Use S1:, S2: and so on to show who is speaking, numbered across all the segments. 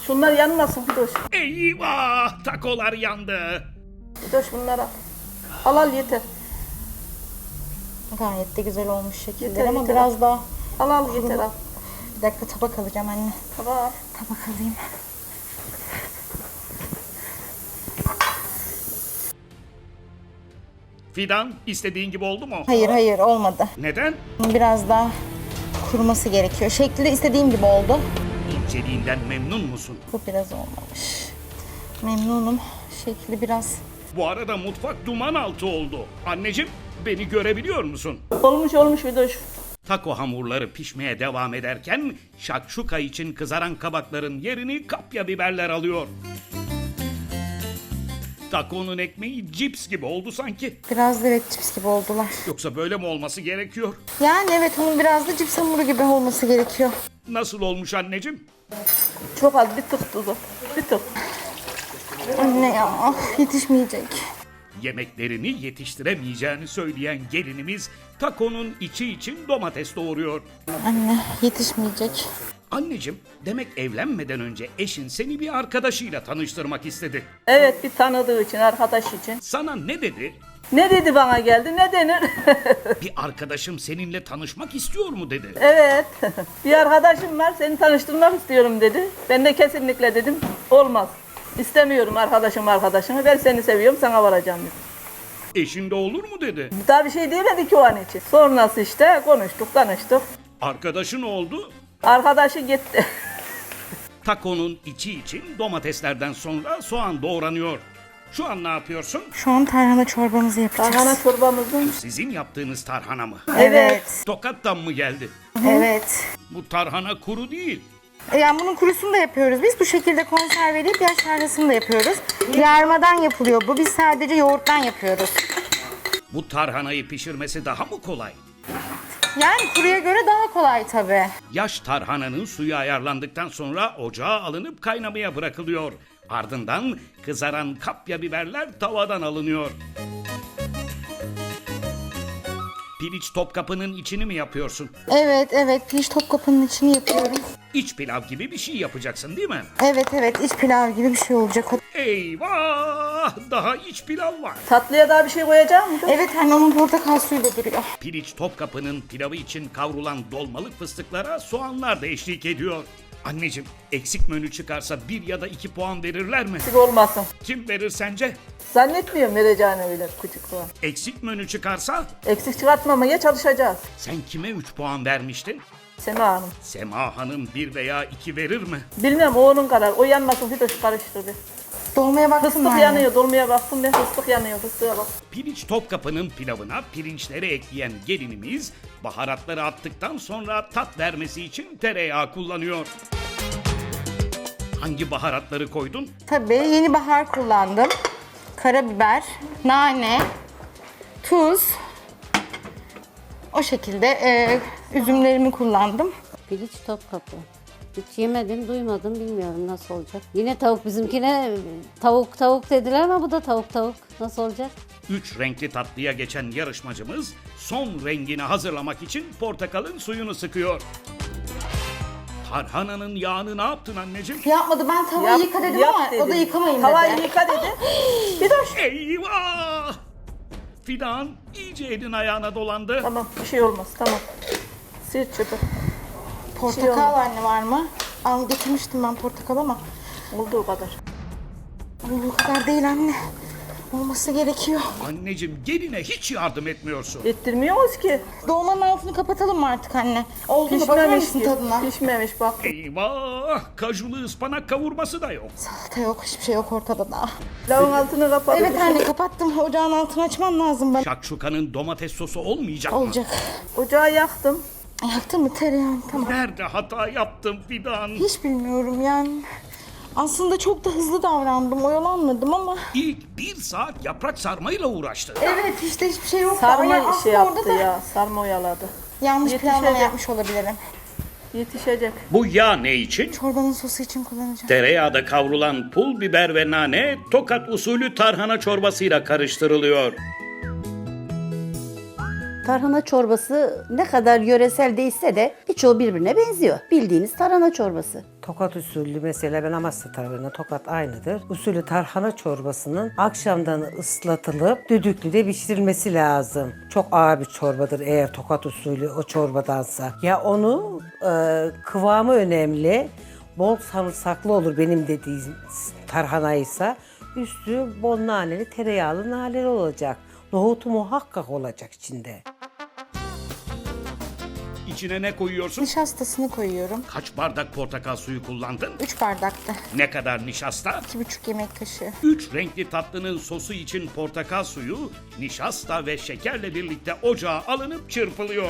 S1: Şunlar yanmasın Fidoş.
S2: Eyvah! Takolar yandı.
S1: Fidoş bunlara. Al yeter.
S3: Gayet de güzel olmuş şekiller
S1: Yeter,
S3: ama
S1: yeter.
S3: biraz daha...
S1: Al yeter al.
S3: Bir dakika tabak alacağım anne.
S1: Tamam.
S3: Tabak alayım.
S2: Fidan, istediğin gibi oldu mu?
S3: Hayır olmadı.
S2: Neden?
S3: Biraz daha kuruması gerekiyor. Şekli de istediğim gibi oldu.
S2: İnceliğinden memnun musun?
S3: Bu biraz olmamış. Memnunum. Şekli biraz...
S2: Bu arada mutfak duman altı oldu. Anneciğim, beni görebiliyor musun?
S1: Olmuş Fidoş.
S2: Taco hamurları pişmeye devam ederken şakşuka için kızaran kabakların yerini kapya biberler alıyor. Taco'nun ekmeği cips gibi oldu sanki.
S3: Biraz da evet cips gibi oldular.
S2: Yoksa böyle mi olması gerekiyor?
S3: Yani evet onun biraz da cips hamuru gibi olması gerekiyor.
S2: Nasıl olmuş anneciğim?
S1: Çok az bir tık tuzu. Bir tık.
S3: Anne ya yetişmeyecek.
S2: Yemeklerini yetiştiremeyeceğini söyleyen gelinimiz takonun içi için domates doğuruyor.
S3: Anne yetişmeyecek.
S2: Anneciğim, demek evlenmeden önce eşin seni bir arkadaşıyla tanıştırmak istedi.
S1: Evet bir tanıdığı için, arkadaş için.
S2: Sana ne dedi?
S1: Ne dedi bana geldi, ne denir?
S2: Bir arkadaşım seninle tanışmak istiyor mu dedi.
S1: Evet. Bir arkadaşım var, seni tanıştırmak istiyorum dedi. Ben de kesinlikle dedim, olmaz. İstemiyorum arkadaşımı, ben seni seviyorum, sana varacağım dedim.
S2: Eşin de olur mu dedi.
S1: Daha bir şey demedi ki o an için. Sonrası işte konuştuk, tanıştık.
S2: Arkadaşın oldu.
S1: Arkadaşı gitti.
S2: Takonun içi için domateslerden sonra soğan doğranıyor. Şu an ne yapıyorsun?
S3: Şu an tarhana çorbamızı yapacağız.
S1: Tarhana çorbamızın.
S2: Sizin yaptığınız tarhana mı?
S3: Evet.
S2: Tokat'tan mı geldi?
S3: Evet.
S2: Bu tarhana kuru değil.
S3: Yani bunun kurusunu da yapıyoruz. Biz bu şekilde konserveleyip yaş tarhanasını da yapıyoruz. Yarmadan yapılıyor bu. Biz sadece yoğurttan yapıyoruz.
S2: Bu tarhanayı pişirmesi daha mı kolay?
S3: Yani kuruya göre daha kolay tabii.
S2: Yaş tarhananın suyu ayarlandıktan sonra ocağa alınıp kaynamaya bırakılıyor. Ardından kızaran kapya biberler tavadan alınıyor. Piliç Topkapı'nın içini mi yapıyorsun?
S3: Evet. Pirinç Topkapı'nın içini yapıyorum.
S2: İç pilav gibi bir şey yapacaksın değil mi?
S3: Evet. İç pilav gibi bir şey olacak o.
S2: Eyvah! Daha iç pilav var.
S1: Tatlıya daha bir şey koyacak mısın?
S3: Evet anne onun portakal suyu da duruyor.
S2: Piliç Topkapı'nın pilavı için kavrulan dolmalık fıstıklara soğanlar da eşlik ediyor. Anneciğim, eksik menü çıkarsa 1 ya da 2 puan verirler mi?
S1: Eksik olmasın.
S2: Kim verir sence?
S1: Zannetmiyorum vereceğini öyle küçük falan.
S2: Eksik menü çıkarsa
S1: Eksik çıkartmamaya çalışacağız.
S2: sen kime 3 puan vermiştin?
S1: Sema Hanım.
S2: Sema Hanım 1 veya 2 verir mi?
S1: Bilmem o onun karar. O yanmasın Fidoş karıştırdı.
S3: Dolmaya baktın mı
S1: Fıstık
S3: anne?
S1: yanıyor. Dolmaya baktım ben. Fıstık yanıyor. Fıstığa bak.
S2: Piliç Topkapı'nın pilavına pirinçleri ekleyen gelinimiz baharatları attıktan sonra tat vermesi için tereyağı kullanıyor. Hangi baharatları koydun?
S3: Tabii yeni bahar kullandım. Karabiber, nane, tuz. O şekilde üzümlerimi kullandım.
S4: Piliç Topkapı. Hiç yemedim, duymadım, bilmiyorum nasıl olacak. Yine tavuk bizimkine tavuk dediler ama bu da tavuk. Nasıl olacak?
S2: 3 renkli tatlıya geçen yarışmacımız son rengini hazırlamak için portakalın suyunu sıkıyor. Tarhananın yağını ne yaptın anneciğim?
S3: Yapmadı ben tavayı yıka dedim
S1: yap
S3: ama o
S1: dedi.
S3: da yıkamayın
S1: Tavayı
S3: dedi.
S1: yıka dedi. Fidoş.
S2: Eyvah! Fidan iyice elin ayağına dolandı.
S1: Tamam bir şey olmaz. Tamam. Sil çöpü.
S3: Portakal anne var mı? Al getirmiştim ben portakal ama
S1: Olduğu kadar.
S3: bu kadar değil anne. Olması gerekiyor.
S2: Anneciğim geline hiç yardım etmiyorsun.
S1: Ettirmiyoruz ki.
S3: Dolmanın altını kapatalım mı artık anne? Oldu mu? Bakar
S1: Pişmemiş
S3: mısın
S1: ki.
S3: tadına?
S1: Pişmemiş bak.
S2: Eyvah! Kajulu ıspanak kavurması da yok.
S3: Salata yok, hiçbir şey yok ortada daha.
S1: Lavın altını kapat.
S3: Evet anne kapattım. Ocağın altını açmam lazım bana.
S2: Şakşuka'nın domates sosu olmayacak mı?
S3: Olacak.
S1: Ocağı yaktım.
S3: Yaktın mı tereyağını? Tamam.
S2: Nerede hata yaptım Fidan?
S3: Hiç bilmiyorum yani. Aslında çok da hızlı davrandım, oyalanmadım ama...
S2: İlk 1 saat yaprak sarmayla uğraştı.
S3: Evet işte hiçbir şey yoktu.
S1: Sarma
S3: Ama
S1: şey
S3: aslında
S1: yaptı
S3: orada da
S1: ya. Sarma oyaladı.
S3: yanlış
S1: Yetişecek.
S3: planlama yapmış olabilirim.
S1: Yetişecek.
S2: Bu yağ ne için?
S3: Çorbanın sosu için kullanacağım.
S2: Tereyağda kavrulan pul biber ve nane Tokat usulü tarhana çorbasıyla karıştırılıyor.
S4: Tarhana çorbası ne kadar yöresel değilse de birçoğu birbirine benziyor. Bildiğiniz tarhana çorbası.
S5: Tokat usulü mesela ben Amasya tarafından Tokat aynıdır. Usulü tarhana çorbasının akşamdan ıslatılıp düdüklüde pişirilmesi lazım. Çok ağır bir çorbadır eğer Tokat usulü o çorbadansa. Ya onu kıvamı önemli. Bol sarımsaklı olur benim dediğim tarhanaysa. Üstü bol naneli, tereyağlı naneli olacak. Nohutu muhakkak olacak içinde.
S2: İçine ne koyuyorsun?
S3: Nişastasını koyuyorum.
S2: Kaç bardak portakal suyu kullandın?
S3: 3 bardakta.
S2: Ne kadar nişasta?
S3: 2,5 yemek kaşığı.
S2: 3 renkli tatlının sosu için portakal suyu, nişasta ve şekerle birlikte ocağa alınıp çırpılıyor.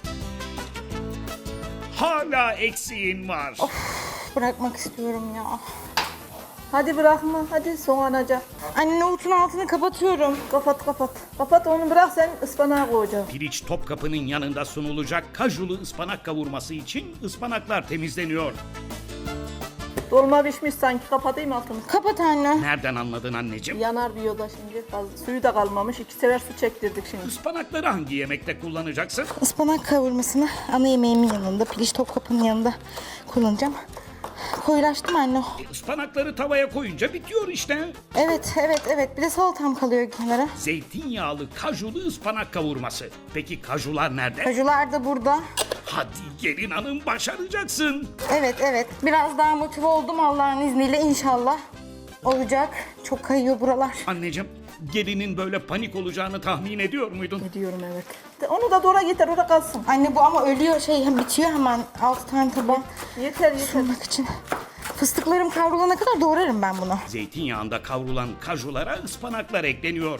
S2: Hala eksiğin var.
S3: Bırakmak istiyorum ya.
S1: Hadi bırakma, hadi soğanacak.
S3: Anne nohutun altını kapatıyorum.
S1: Kapat kapat. Kapat onu, bırak, sen ıspanağı koyacaksın.
S2: Piliç Topkapı'nın yanında sunulacak kajulu ıspanak kavurması için ıspanaklar temizleniyor.
S1: Dolma pişmiş sanki, kapatayım altını.
S3: Kapat anne.
S2: Nereden anladın anneciğim?
S1: Yanar diyor da şimdi. Fazla suyu da kalmamış. 2 sefer su çektirdik şimdi.
S2: Ispanakları hangi yemekte kullanacaksın?
S3: Ispanak kavurmasını ana yemeğimin yanında, piliç Topkapı'nın yanında kullanacağım. Koyulaştım anne.
S2: Ispanakları tavaya koyunca bitiyor işte.
S3: Evet. Bir de salatam kalıyor kenara.
S2: Zeytinyağlı kajulu ıspanak kavurması. Peki kajular nerede?
S3: Kajular da burada.
S2: Hadi gelin hanım, başaracaksın.
S3: Evet. Biraz daha motive oldum Allah'ın izniyle, inşallah. Olacak. Çok kayıyor buralar.
S2: Anneciğim, gelinin böyle panik olacağını tahmin ediyor muydun?
S1: Diyorum evet. Onu da doğra getir, orada kalsın.
S3: Anne bu ama ölüyor, bitiyor hemen. 6 tane tabak
S1: Yeter.
S3: sunmak için. Fıstıklarım kavrulana kadar doğrarım ben bunu.
S2: Zeytinyağında kavrulan kajulara ıspanaklar ekleniyor.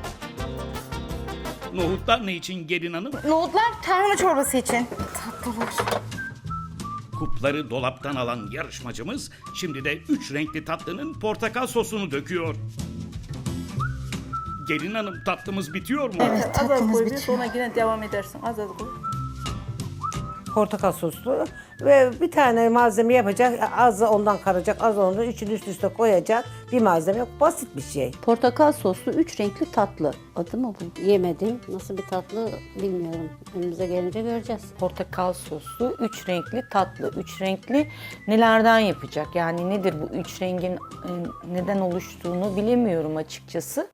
S2: Nohutlar ne için gelin hanım?
S3: Nohutlar tarhana çorbası için. Tatlılar.
S2: Kupları dolaptan alan yarışmacımız şimdi de 3 renkli tatlının portakal sosunu döküyor. Gelin hanım, tatlımız bitiyor mu?
S3: Evet,
S1: Az az
S3: tatlımız
S1: koy, bir
S3: bitiyor.
S1: sonra yine devam edersin. Az az koy.
S5: Portakal soslu ve bir tane malzeme yapacak. Az da ondan karacak, az ondan üçünü üst üste koyacak. Bir malzeme yok. Basit bir şey.
S4: Portakal soslu 3 renkli tatlı. Adı mı bu? Yemedim. Nasıl bir tatlı bilmiyorum. Önümüze gelince göreceğiz.
S6: Portakal soslu, 3 renkli tatlı. 3 renkli nelerden yapacak? Yani nedir bu 3 rengin neden oluştuğunu bilemiyorum açıkçası.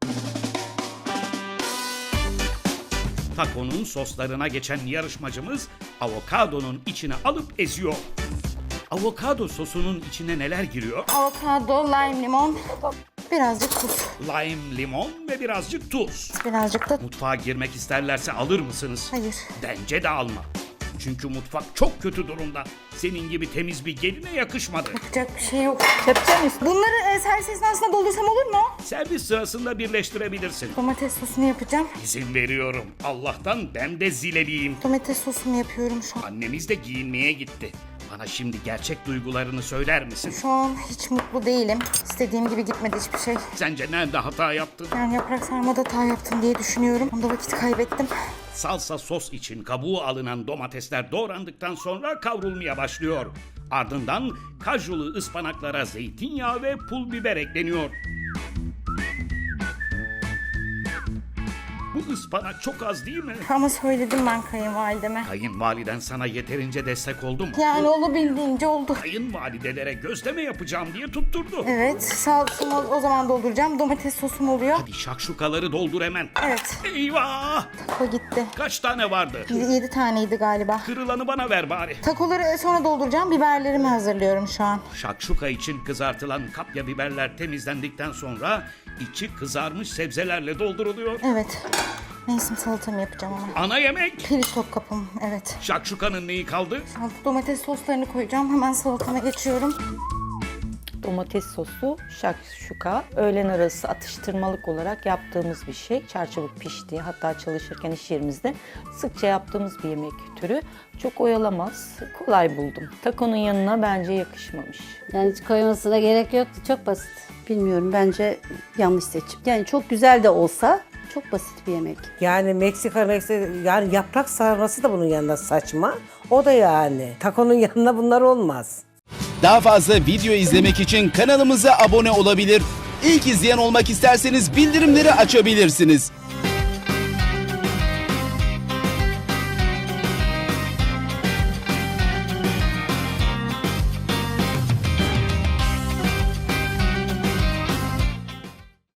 S2: Takonun soslarına geçen yarışmacımız avokadonun içine alıp eziyor. Avokado sosunun içine neler giriyor?
S3: Avokado, lime, limon, birazcık tuz,
S2: Lime, limon ve birazcık tuz.
S3: birazcık da...
S2: Mutfağa girmek isterlerse alır mısınız?
S3: Hayır.
S2: Bence de alma. Çünkü mutfak çok kötü durumda. Senin gibi temiz bir geline yakışmadı.
S3: Yapacak bir şey yok.
S1: Kepçe mi istiyorsun?
S3: Bunları servis esnasında doldursam olur mu?
S2: Servis sırasında birleştirebilirsin.
S3: Domates sosunu yapacağım.
S2: İzin veriyorum. Allah'tan ben de zileliyim.
S3: Domates sosumu yapıyorum şu an.
S2: Annemiz de giyinmeye gitti. Bana şimdi gerçek duygularını söyler misin?
S3: Şu an hiç mutlu değilim. İstediğim gibi gitmedi hiçbir şey.
S2: Sence nerede hata yaptın?
S3: Yani yaprak sarmada hata yaptım diye düşünüyorum. Onda vakit kaybettim.
S2: Salsa sos için kabuğu alınan domatesler doğrandıktan sonra kavrulmaya başlıyor. Ardından kajulu ıspanaklara zeytinyağı ve pul biber ekleniyor. Bu ıspanak çok az değil mi?
S3: Ama söyledim ben kayınvalideme.
S2: Kayınvaliden sana yeterince destek oldu mu?
S3: Yani olabildiğince oldu.
S2: Kayınvalidelere gözleme yapacağım diye tutturdu.
S3: Evet, salçamı o zaman dolduracağım. Domates sosum oluyor.
S2: Hadi şakşukaları doldur hemen.
S3: Evet,
S2: Eyvah!
S3: o gitti.
S2: Kaç tane vardı?
S3: 7 taneydi galiba.
S2: Kırılanı bana ver bari.
S3: Takoları sonra dolduracağım. Biberlerimi hazırlıyorum şu an.
S2: Şakşuka için kızartılan kapya biberler temizlendikten sonra içi kızarmış sebzelerle dolduruluyor.
S3: Evet. Mevsim salatamı yapacağım ama.
S2: Ana yemek.
S3: Piliç Topkapım, evet.
S2: Şakşukanın neyi kaldı?
S3: Domates soslarını koyacağım. Hemen salatama geçiyorum.
S6: Domates sosu, şakşuka, öğlen arası atıştırmalık olarak yaptığımız bir şey. Çarçabuk pişti. Hatta çalışırken iş yerimizde sıkça yaptığımız bir yemek türü. Çok oyalamaz, kolay buldum. Takonun yanına bence yakışmamış.
S4: Yani hiç koymasına gerek yoktu. Çok basit. Bilmiyorum, bence yanlış seçim. Yani çok güzel de olsa çok basit bir yemek.
S5: Yani Meksika yani yaprak sarması da bunun yanında saçma. O da yani. Takonun yanında bunlar olmaz.
S7: Daha fazla video izlemek için kanalımıza abone olabilir. İlk izleyen olmak isterseniz bildirimleri açabilirsiniz.